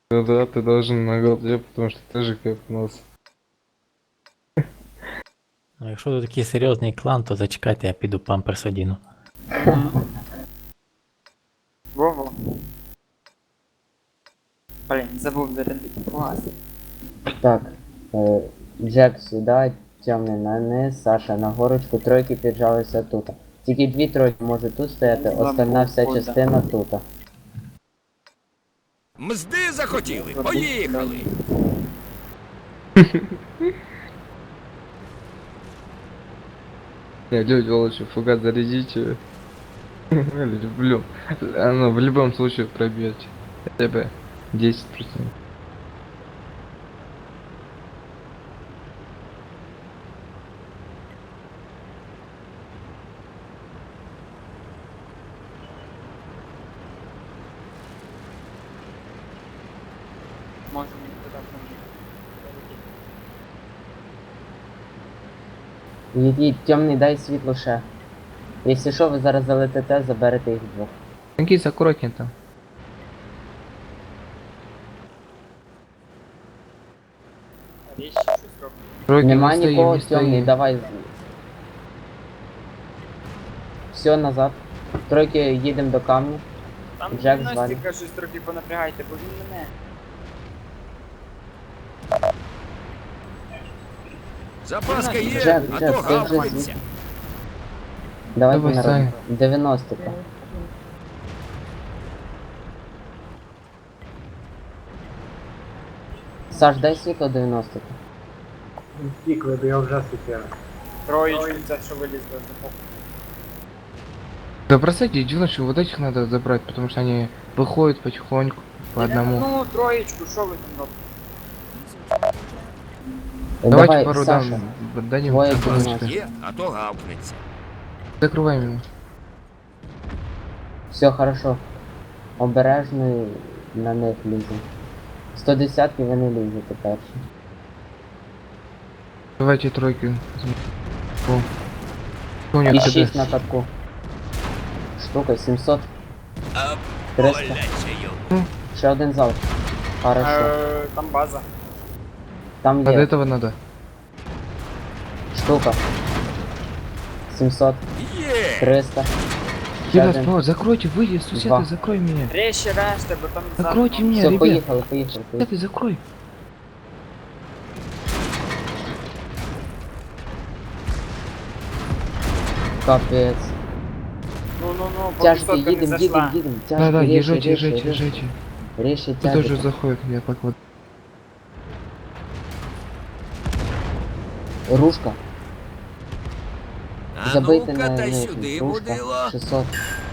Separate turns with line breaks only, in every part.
Ну да, ты должен на голде, потому что ты же кайфнулся.
Ну, якщо тут такий серйозний клан, то зачекайте, я піду памперс одіну.
Во-во. Блін, забув зарядити клас.
Так, Джек сюди, темний на низ, Саша на горочку, тройки піджалися тут. Тільки дві тройки можуть тут стояти, остальна вся
Забув,
частина тут.
Мзди захотіли, поїхали!
Не, люди, лучше фугас зарядите. Люблю. Оно в любом случае пробьет. Хотя бы 10%.
Можемо їх туди поміняти.
Їдіть, темний, дай світло ще. Якщо що, ви зараз залетите, заберете їх двох.
Танкист, аккуратнее там.
Річ щось робить.
Тройки
Нема
не стоим,
нікого,
не
темний,
стоим.
давай. Все, назад. Тройки їдемо до камня.
Там
Джек
Настіка щось трохи понапрягайте, бо він мене.
Запаска є,
Джек,
а
Джек,
то
ти вже
гавкаться.
Давайте
Давай,
на
Саня.
90-ка. Саш, дай світло 90-ка.
Стікли, бо я вже світила.
Троєчку, це що вилізло.
Да бросайте девушек, вот этих надо забрать, потому что они выходят потихоньку по одному.
Ну, троєчку, що ви там робите?
Давайте
Давай,
пару
Саша.
дадим.
Двое
центр
помочь.
ночи.
Є, а то гавкнеться.
Закрываем его.
Все хорошо. Обережно на них лізем. 110-ки ви не лізете перші.
Давайте тройки. О. У них
І
КД.
6 на катку. Штука 700.
А
300.
боляче йому.
Ще один залп. Хорошо.
Там база.
Там
А до
є
этого надо.
штука. 700.
Є!
300. Ще
Ребят,
один.
Павел, закройте, выйди, сусед,
Два.
закрой меня.
Реші решта, бо там
Закройте меня,
Все,
ребят.
поїхали, поїхали.
Сусед, закрой.
Капець.
Ну, по
Тяжко,
висоткам не
їдем,
зайшла.
їдем. Тяжко,
Да-да,
ріши,
езжайте,
ріши,
езжайте,
ріши.
езжайте.
Ріши,
Кто тоже
тяжко.
заходит, я поклад.
Рушка.
А
Забийте
ну-ка
на
та
них.
сюди,
Рушка.
мудило.
600.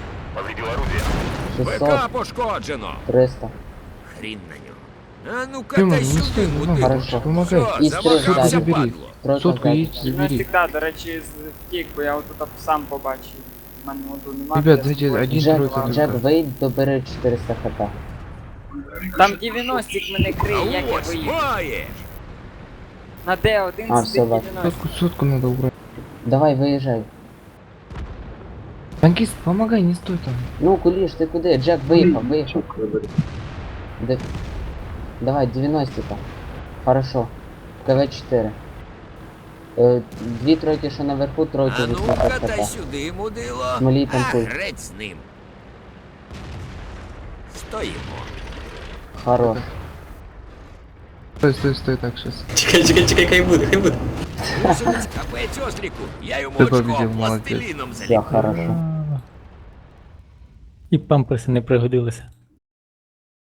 ВК
600.
пошкоджено.
300.
Хрін на нього. А ну-ка
Тима,
та
не
сюди,
стой, ну,
мудило.
хорошо.
Помогай.
Все,
І стріл
замахався,
забери.
падло.
Тройка
Сотку
взяти.
едь, забери.
Гімнастик, до речі, втік, бо я отут сам побачив. У мене отут нема.
Ребят,
де
зайди,
зброї.
один
Джек,
тройка
Джек,
только.
вийдь, добери 400 хп.
Там 90-ік мене
А
криє, як я
ось
виїду.
маєш.
На Д1
А,
з
все,
тих
бачу.
90.
Сотку надо убрать.
Давай, виїжджай.
Танкист, помогай, не стой там.
Ну, куліш, ти куди? Джек, виїхав, виїхав. Де... Давай, 90-ка. Хорошо. КВ-4. Дві тройки, що наверху, тройки
А
80
ну-ка та
хп.
сюди, мудило.
Смолій там
А
пуль.
греть з ним. Стоїмо.
Хорош.
Стой, стой, стой, так сейчас.
Чекай, хай буде.
Гусениць капець осліку. Я йому
Ти
очко
побідів, молодець.
пластиліном
Все
заліпив.
хорошо.
І памперси не пригодилися.